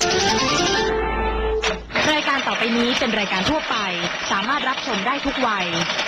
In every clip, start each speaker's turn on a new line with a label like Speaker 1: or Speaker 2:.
Speaker 1: รายการต่อไปนี้เป็นรายการทั่วไปสามารถรับชมได้ทุกวัย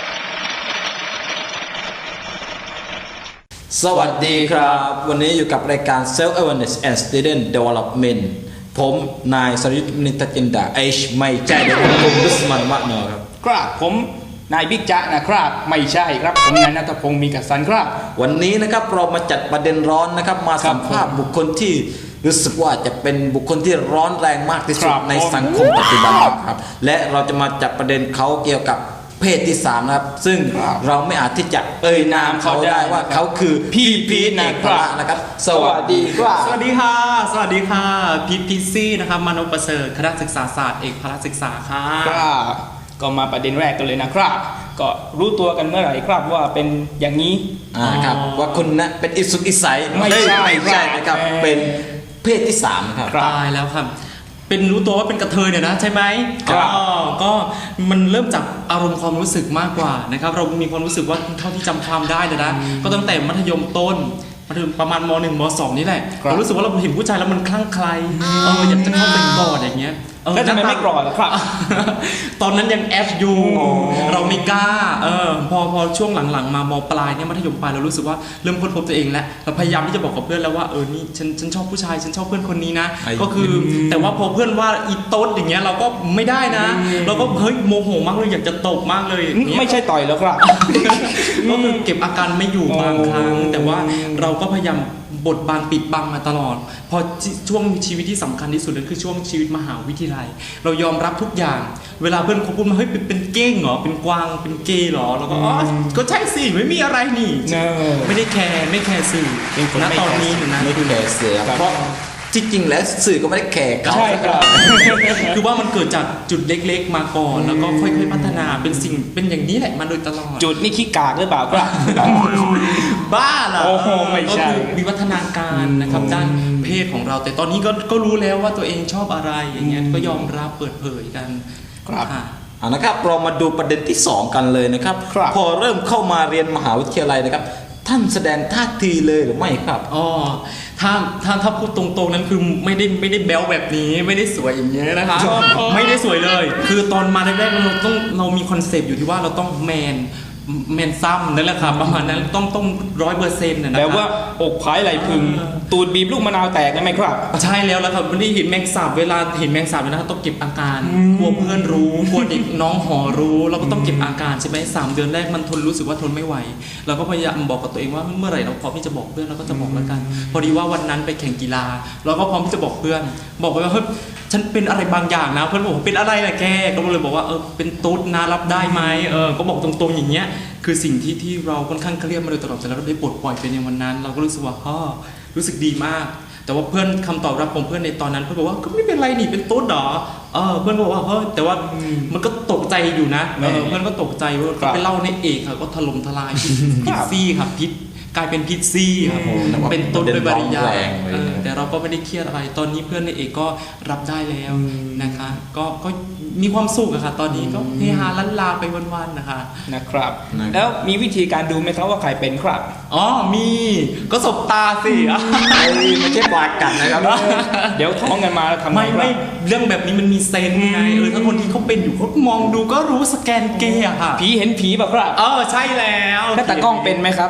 Speaker 2: สวัสดีครับวันนี้อยู่กับรายการ Self Awareness and Student Development ผมนายสริตนิตจินดาไม่ใช่เดี๋ยวผมดุสมันมะเนอครับ
Speaker 3: ครับผมนายบิ๊กจ๊ะนะครับไม่ใช่ครับผมนายณัฐพงศ์มีกสันครับ
Speaker 2: วันนี้นะครับเรามาจัดประเด็นร้อนนะครับมาสัมภาษณ์บุคคลที่รู้สึกว่าจะเป็นบุคคลที่ร้อนแรงมากที่สุดในสังคมปัจจุบันครับและเราจะมาจัดประเด็นเขาเกี่ยวกับเพศที่3นะครับซึ่งเราไม่อาจที่จะเอ่ยนามเขาได้ว่าเขาคือพี่พีทนะครับสวัสดีครับ
Speaker 4: สวัสดีค่ะสวัสดีค่ะพีทพิซซี่นะครับมโนประเสริฐคณะศึกษาศาสตร์เอกพละศึกษาค่ะ
Speaker 3: ก็มาประเด็นแรกกันเลยนะครับก็รู้ตัวกันเมื่อไหร่ครับว่าเป็นอย่างนี้
Speaker 2: ครับว่าคุณนะเป็นอิสุกอิสัยไม่ใช่นะครับเป็นเพศที่3นะครับ
Speaker 4: ตายแล้วครับเป็นรู้ตัวว่าเป็นกระเทยเนี่ยนะใช่ไหมก็มันเริ่มจากอารมณ์ความรู้สึกมากกว่านะครับเรามีความรู้สึกว่าเท่าที่จำความได้เลยนะก็ตั้งแต่มัธยมต้นมาถึงประมาณม.1 ม.2 นี่แหละเรารู้สึกว่าเราเห็นผู้ชายแล้วมันคลั่งไคล้อยากจะเข้าไปกอดอย่างเงี้ย
Speaker 3: แล้วทำไมไม่กอดล่ะครับ
Speaker 4: ตอนนั้นยังแอฟอยู่เราไม่กล้าพอช่วงหลังๆมาม.ปลายเนี่ยมัธยมปลายเรารู้สึกว่าเริ่มค้นพบตัวเองแล้วเราพยายามที่จะบอกกับเพื่อนแล้วว่านี่ฉันชอบผู้ชายฉันชอบเพื่อนคนนี้นะก็คือแต่ว่าพอเพื่อนว่าอีโต๊ดอย่างเงี้ยเราก็ไม่ได้นะเราก็เฮ้ยโมโหมากเลยอยากจะตบมากเลย
Speaker 3: ไม่ใช่ต่อยแล้วครับ
Speaker 4: ก็คือเก็บอาการไม่อยู่บางครั้งแต่ว่าเราก็พยายามบทบางปิดบังมาตลอดพอช่วงชีวิตที่สำคัญที่สุดนั่นคือช่วงชีวิตมหาวิทยาลัยเรายอมรับทุกอย่างเวลาเพื่อนเขาพูดมาเฮ้ยเป็นเก้งเหรอเป็นกวางเป็นเกย์เหรอเราก็ก็ใช่สิไม่มีอะไรนี่ไม่ได้แคร์สื่อณตอนนี้นะ
Speaker 2: ไม่แคร์สื่อเพราะจริงๆแล้วสื่อก็ไม่ได้แคร์เขา
Speaker 3: ใช่ครับ
Speaker 4: คือว่ามันเกิดจากจุดเล็กๆมาก่อนแล้วก็ค่อยๆพัฒนาเป็นอย่างนี้แหละมาโดยตลอด
Speaker 3: จุดนี่ขี้กากหรือเปล่าครับ
Speaker 4: บ้าเหรอ
Speaker 3: โอ้โหไม่ใช่
Speaker 4: วิวัฒนาการนะครับด้านเพศของเราแต่ตอนนี้ก็รู้แล้วว่าตัวเองชอบอะไรอย่างเงี้ยก็ยอมรับเปิดเผยกัน
Speaker 3: ครับ
Speaker 2: นะครับเรามาดูประเด็นที่2กันเลยนะครับพอเริ่มเข้ามาเรียนมหาวิทยาลัยนะครับท่านแสดงท่าทีเลยหรือไม่ครับ
Speaker 4: ถ้าพูดตรงๆนั้นคือไม่ได้แบ๊วแบบนี้ไม่ได้สวยอย่างเงี้ยนะคะไม่ได้สวยเลยคือตอนมาแรกๆเรามีคอนเซปต์อยู่ที่ว่าเราต้องแมนซ้ำนั่นแหละครับประมาณนั้นต้อง100%นะครับ
Speaker 3: แปลว่าอกผายไหลพึงตูดบีบลูกมะนาวแตกได้ไหมครับ
Speaker 4: ใช่แล้วครับวันนี้เห็นแมงสาบเวลาเห็นแมงสาบนะครับต้องเก็บอาการกลัวเพื่อนรู้กลัวเด็กน้องหอรู้เราก็ต้องเก็บอาการใช่ไหม3 เดือนแรกมันรู้สึกว่าทนไม่ไหวเราก็พยายามบอกกับตัวเองว่าเมื่อไหร่เราพร้อมที่จะบอกเพื่อนเราก็จะบอกแล้วกันพอดีว่าวันนั้นไปแข่งกีฬาเราก็พร้อมที่จะบอกเพื่อนบอกไปว่าเฮ้ยฉันเป็นอะไรบางอย่างนะเพื่อนบอกเป็นอะไรนะแกก็เลยบอกว่าเป็นตุ๊ดนะรับได้ไหมก็บอกตรงๆอย่างเงี้ยคือสิ่งที่เราค่อนข้างเครียดมาโดยตลอดแต่เราได้ปลดปล่อยไปในวันนั้นเราก็รู้สึกว่ารู้สึกดีมากแต่ว่าเพื่อนคำตอบรับของเพื่อนในตอนนั้นเพื่อนบอกว่าก็ไม่เป็นไรนี่เป็นตุ๊ดหรอเพื่อนบอกว่าแต่ว่ามันก็ตกใจอยู่นะเพื่อนก็ตกใจว่าไปเล่าในเอกค่ะก็ถล่มทลายพิซซี่ครับพิษกลายเป็นพิซซี่ครับเป็นต้นโดยปริยายแต่เราก็ไม่ได้เครียดอะไรตอนนี้เพื่อนในเอกก็รับได้แล้วนะคะก็มีความสุขอะค่ะตอนนี้ก็เฮฮาลันลาไปวันๆนะคะ
Speaker 3: นะครับแล้วมีวิธีการดูไหมครับว่าใครเป็นครับ
Speaker 4: มีก็สบตาสิ
Speaker 2: ไม่ใช่ปากกัดนะครับ
Speaker 3: เดี๋ยวท้องกันมาทำ
Speaker 4: ไม่เรื่องแบบนี้มันมีเซนไงถ้าคนที่เขาเป็นอยู่เขามองดูก็รู้สแกนเกย์อะค่ะ
Speaker 3: ผีเห็นผีแบบครับ
Speaker 4: ใช่แล้ว
Speaker 3: ถ้าตากล้องเป็นไหมครับ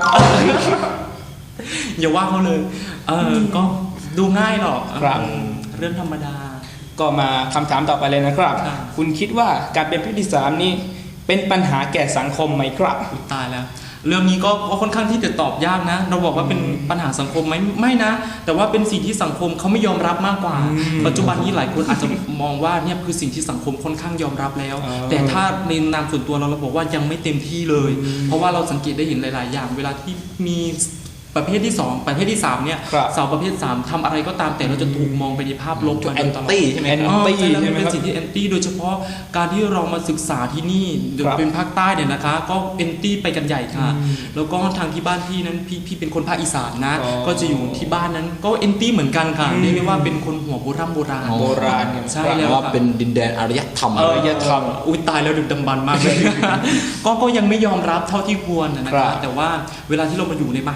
Speaker 4: อย่าว่าเขาเลยก็ดูง่ายหรอก
Speaker 3: ครับ
Speaker 4: เรื่องธรรมดา
Speaker 3: ก็มาคำถามต่อไปเลยนะครับคุณคิดว่าการเป็นเพศที่3นี่เป็นปัญหาแก่สังคมไหมครับ
Speaker 4: ตายแล้วเรื่องนี้ก็ค่อนข้างที่จะตอบยากนะเราบอกว่าเป็นปัญหาสังคมไหมไม่นะแต่ว่าเป็นสิ่งที่สังคมเขาไม่ยอมรับมากกว่าปัจจุบันนี้หลายคนอาจจะมองว่าเนี่ยคือสิ่งที่สังคมค่อนข้างยอมรับแล้วแต่ถ้าในนามส่วนตัวเราบอกว่ายังไม่เต็มที่เลยเพราะว่าเราสังเกตได้เห็นหลายๆอย่างเวลาที่มีประเภทที่2ประเภทที่3เนี่ยสาวประเภท3ทำอะไรก็ตามแต่เราจะถูกมองไปในภาพลบ
Speaker 2: แอนตี้ใช่ไหม
Speaker 4: เป็นสิ่งที่แอนตี้โดยเฉพาะการที่เรามาศึกษาที่นี่เป็นภาคใต้เนี่ยนะคะก็แอนตี้ไปกันใหญ่ค่ะแล้วก็ทางที่บ้านพี่นั้นพี่เป็นคนภาคอีสานนะก็จะอยู่ที่บ้านนั้นก็แอนตี้เหมือนกันค่ะเรียกได้ว่าเป็นคนหัวโบราณใช่แล้ว
Speaker 2: ว่าเป็นดินแดนอารยธรรม
Speaker 4: อุ้ยตายแล้วดึกดำบรรพ์มากเลยก็ยังไม่ยอมรับเท่าที่ควรนะคะแต่ว่าเวลาที่เรามาอยู่ในมหาลัยเพื่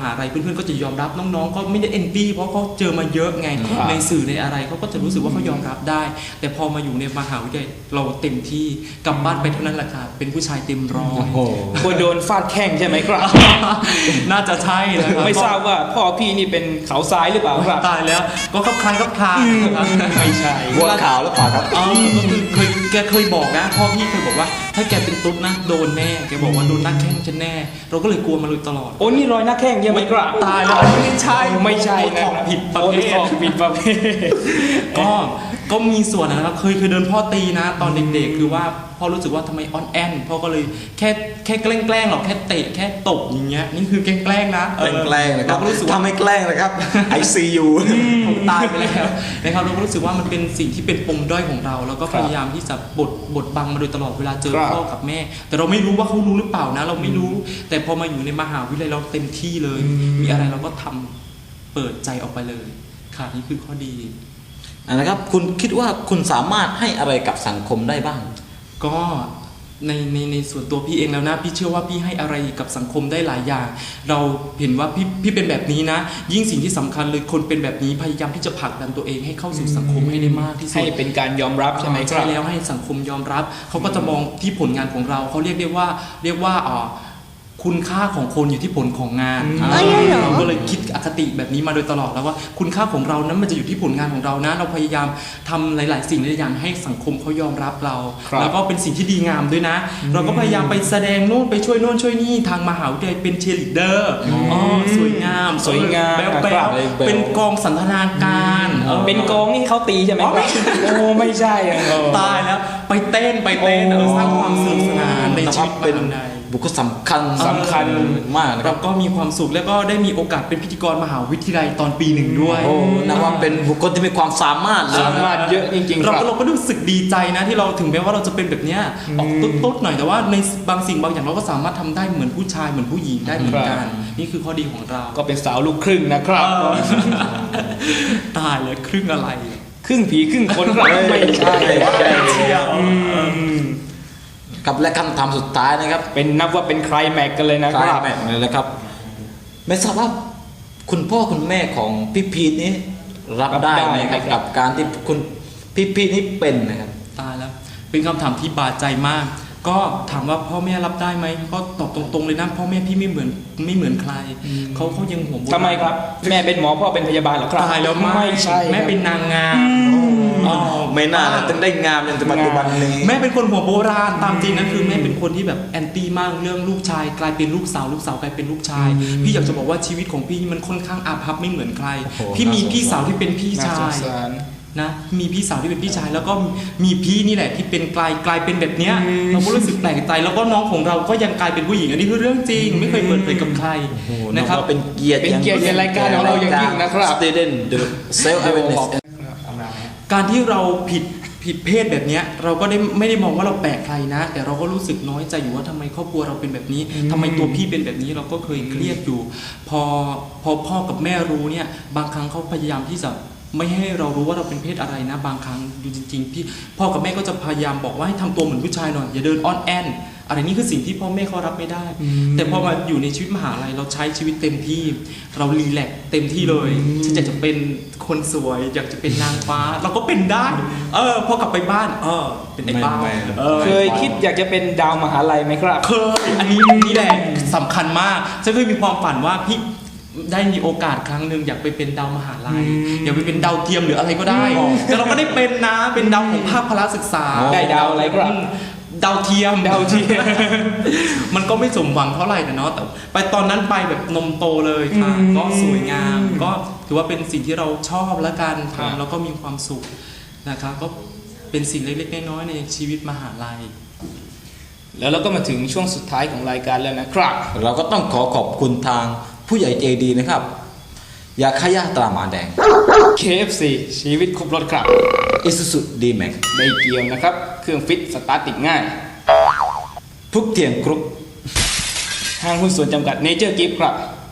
Speaker 4: พื่อนๆก็จะยอมรับน้องๆก็ไม่ได้เอนตี้เพราะเขาเจอมาเยอะไง
Speaker 3: ครับ
Speaker 4: ในสื่อในอะไรเขาก็จะรู้สึกว่าเขายอมรับได้ แต่พอมาอยู่ในมหาวิทยาลัยเราเต็มที่กลับบ้านไปเท่านั้นแหละค่ะเป็นผู้ชายเต็มร้อย
Speaker 2: โอ้โห
Speaker 3: กลัวโดนฟาดแข้งใช่ไหมครับ
Speaker 4: น่าจะใช่นะครับ
Speaker 3: ไม่ทราบว่าพ่อพี่นี่เป็นเขาซ้ายหรือเปล่าครับ
Speaker 4: ตายแล้วก็คล้ายครับคลานะครับ
Speaker 3: ไม่ใช่
Speaker 2: บัวขาวหรือเปล่าครับ
Speaker 4: อ๋อก็คือแกเคยบอกนะพ่อพี่เคยบอกว่าถ้าแกเป็นตุ๊ดนะโดนแน่แกบอกว่าโดนหน้าแข้งฉันแน่ เราก็เลยกลัวมาเลยตลอด
Speaker 3: โอ้นี่รอยหน้าแข้งใช่ไหมครับ
Speaker 4: ตายแล้วไม่ใช่
Speaker 3: ไม่ใช่นะ
Speaker 4: ของผิดประเภท
Speaker 3: โอ้ของผิดประเภท
Speaker 4: ก็มีส่วนนะครับเคยโดนพ่อตีนะตอนเด็กๆคือว่าพ่อรู้สึกว่าทำไมอ่อนแอนพ่อก็เลยแค่แกล้งหรอกแค่เตะแค่ตบอย่างเงี้ยนี่คือแกล้งนะ
Speaker 2: แกล้งนะครับ
Speaker 4: เราก็รู้สึกว่า
Speaker 2: ถ้าไม่แกล้งนะครับ ICU
Speaker 4: ผมตายไปแล้วนะครับเราก็รู้สึกว่ามันเป็นสิ่งที่เป็นปมด้อยของเรา แล้วก็พยายามที่จะบดบังมาโดยตลอดเวลาเจอ
Speaker 3: ครับ
Speaker 4: พ่อกับแม่ แต่เราไม่รู้ว่าเขารู้หรือเปล่านะ เราไม่รู้ แต่พอมาอยู่ในมหาวิทยาลัยเราเต็มที่เลย มีอะไรเราก็ทำเปิดใจออกไปเลยค่ะนี่คือข้อดี
Speaker 2: นะครับคุณคิดว่าคุณสามารถให้อะไรกับสังคมได้บ้าง
Speaker 4: ก็ในส่วนตัวพี่เองแล้วนะพี่เชื่อว่าพี่ให้อะไรกับสังคมได้หลายอย่าง เราเห็นว่าพี่เป็นแบบนี้นะ ยิ่งสิ่งที่สำคัญเลยคนเป็นแบบนี้พยายามที่จะผลักดันตัวเองให้เข้าสู่สังคมให้ได้มากที่สุด
Speaker 3: ให้เป็นการยอมรับใช่ไหมค
Speaker 4: ใช่
Speaker 3: รับ
Speaker 4: แล้วให้สังคมยอมรับเขาก็จะมองที่ผลงานของเราเขาเรียกว่าคุณค่าของคนอยู่ที่ผลของงานเราก็เลยคิดอคติแบบนี้มาโดยตลอดแล้วว่าคุณค่าของเรานั้นมันจะอยู่ที่ผลงานของเรานะ เราพยายามทำหลาย ๆ สิ่งหลายอย่างให้สังคมเขายอมรับเรา
Speaker 3: ครับ
Speaker 4: แล้วก็เป็นสิ่งที่ดีงามด้วยนะ เราก็พยายามไปแสดงโน่นไปช่วยโน่นช่วยนี่ทางมหาวิทยาลัยเป็นเชียร์ลีดเดอร์สวยงาม
Speaker 3: สวยงาม
Speaker 4: แบ๊ว
Speaker 3: ครับ
Speaker 4: ๆเป็นกองสันทนาการ
Speaker 3: เป็นกองนี่เขาตีใช่ไหมครับโอ้ไม่ใช่อะ
Speaker 4: ตายแล้วไปเต้นสร้างความสนุกสนานในชีวิต
Speaker 2: เป็น
Speaker 4: มหาวิทยาลัย
Speaker 2: บุคคลสำคัญมากนะค
Speaker 4: เรา
Speaker 2: รับ
Speaker 4: ก็มีความสุขแล้วก็ได้มีโอกาสเป็นพิธีกรมหาวิทยาลัยตอนปีหนึ่งด้วย
Speaker 2: โอ้นับว่าเป็นบุคคลที่มีความสามารถเลย
Speaker 3: สามารถเยอะจริงๆค
Speaker 4: เรา
Speaker 3: รับ
Speaker 4: ก็รู้สึกดีใจนะที่เราถึงแม้ว่าเราจะเป็นแบบเนี้ยออกตุ๊ดๆหน่อยแต่ว่าในบางสิ่งบางอย่างเราก็สามารถทำได้เหมือนผู้ชายเหมือนผู้หญิงได้เหมือนกันนี่คือข้อดีของเรา
Speaker 3: ก็เป็นสาวลูกครึ่งนะครับ
Speaker 4: ตายเลยครึ่งอะไร
Speaker 3: ครึ่งผีครึ่งคนครับไม่ใช่
Speaker 4: เชียว
Speaker 2: ครับและคำถามสุดท้ายนะครับ
Speaker 3: เป็นนับว่าเป็นใครแม็กกันเลยนะ
Speaker 2: ค
Speaker 3: ค
Speaker 2: ล้าย
Speaker 3: รับ
Speaker 2: แม็กเลยนะครับ ไม่ทราบว่าคุณพ่อคุณแม่ของพี่พีทนี้รับได้ไหมครับกับการที่คุณพี่พีทนี้เป็นนะครับ
Speaker 4: ตายแล้วเป็นคำถามที่บาดใจมาก ก็ถามว่าพ่อแม่รับได้ไหมก็ตอบตรงๆเลยนะพ่อแม่พี่ไม่เหมือนใครเขายังห่วงบุญ
Speaker 3: ทำไมครับ แม่เป็นหมอพ่อเป็นพยาบาลเหรอครับ
Speaker 4: ตายแล้ว
Speaker 3: ไม่ใช่
Speaker 4: แม่เป็นนางงาม
Speaker 2: ไม่น่านะถึงได้งามจนถึงปัจจุบันนี้
Speaker 4: แม่เป็นคนหัวโบราณตามจริงนะคือแม่เป็นคนที่แบบแอนตี้มากเรื่องลูกชายกลายเป็นลูกสาวกลายเป็นลูกชาย พี่อยากจะบอกว่าชีวิตของพี่มันค่อนข้างอาภัพไม่เหมือนใคร
Speaker 2: โอ้โห
Speaker 4: พี่มีพี่สาวที่เป็นพี่
Speaker 3: น่า
Speaker 4: ชา
Speaker 3: สง
Speaker 4: ย
Speaker 3: สาร
Speaker 4: นะมีพี่สาวที่เป็นพี่ชายแล้วก็มีพี่นี่แหละที่เป็นกลายเป็นแบบเนี้ยเราก็รู้สึกแปลกใจแล้วก็น้องของเราก็ยังกลายเป็นผู้หญิงอันนี้คือเรื่องจริงไม่เคยเปิดเผยกับใคร
Speaker 2: โอ้โห
Speaker 4: นะครับ
Speaker 2: เป็นเกียรติ
Speaker 3: เป็นเกียรติในรายการของเราอย่างยิ่งนะครับ
Speaker 2: Student the self awareness
Speaker 4: การที่เราผิดเพศแบบเนี้ยเราก็ไม่ได้มองว่าเราแปลกใครนะ แต่เราก็รู้สึกน้อยใจอยู่ว่าทำไมครอบครัวเราเป็นแบบนี้ทำไมตัวพี่เป็นแบบนี้เราก็เคยเครียดอยู่ พอพ่อกับแม่รู้เนี่ยบางครั้งเขาพยายามที่จะไม่ให้เรารู้ว่าเราเป็นเพศอะไรนะ บางครั้งอยู่จริงๆพี่พ่อกับแม่ก็จะพยายามบอกว่าให้ทำตัวเหมือนผู้ชายหน่อยอย่าเดินอ้อนแอนอะไรนี่คือสิ่งที่พ่อแม่เขารับไม่ได้ แต่พอมาอยู่ในชีวิตมหาลัยเราใช้ชีวิตเต็มที่ เรารีแลกซ์เต็มที่เลยฉันอยากจะเป็นคนสวยอยากจะเป็นนางฟ้า เราก็เป็นได้พอกลับไปบ้านเป็นไอ้บ้า
Speaker 2: ไม่
Speaker 3: เคยคิดอยากจะเป็นดาวมหาลัยไหมครับ
Speaker 4: เคยอันนี้แหละสำคัญมากฉันเคยมีความฝันว่าพี่ได้มีโอกาสครั้งหนึ่งอยากไปเป็นดาวมหาลัยอยากไปเป็นดาวเทียมหรืออะไรก็ได้ แต่เราก็ได้เป็นนะเป็นดาวของภาคพละศึกษา
Speaker 3: ได้ดาวอะไรครับ
Speaker 4: ดาวเทียม มันก็ไม่สมหวังเท่าไหร่นะเนาะแต่ไปตอนนั้นไปแบบนมโตเลยค่ะก็สวยงาม ก็ถือว่าเป็นสิ่งที่เราชอบและการทำแล้วก็มีความสุขนะคะก็เป็นสิ่งเล็กๆน้อยๆในชีวิตมหาลัย
Speaker 3: แล้วเราก็มาถึงช่วงสุดท้ายของรายการแล้วนะครับ
Speaker 2: เราก็ต้องขอบคุณทางผู้ใหญ่ใจดีนะครับ ยาขยะตราหมาแดง
Speaker 3: KFC ชีวิตครบรถครับ
Speaker 2: Isuzu D-Max
Speaker 3: ไม่เกี่ยวนะครับ เครื่องฟิตสตาร์ทติดง่าย
Speaker 2: ทุกเทียงกรุ๊ป
Speaker 3: ห้างหุ้นส่วนจำกัดเนเจอร์กิฟต์ครับ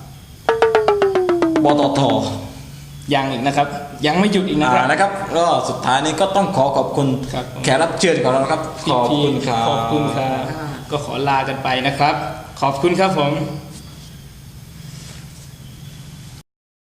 Speaker 2: ปตท
Speaker 3: ยังอีกนะครับ ยังไม่หยุดอีกนะครับ
Speaker 2: นะครับก็สุดท้ายนี้ก็ต้องขอบคุณ
Speaker 3: ครับ
Speaker 2: แขกรับเชิญของเราครับ ขอบคุณครับ
Speaker 3: ขอบคุณครับ ก็ขอลากันไปนะครับ ขอบคุณครับผม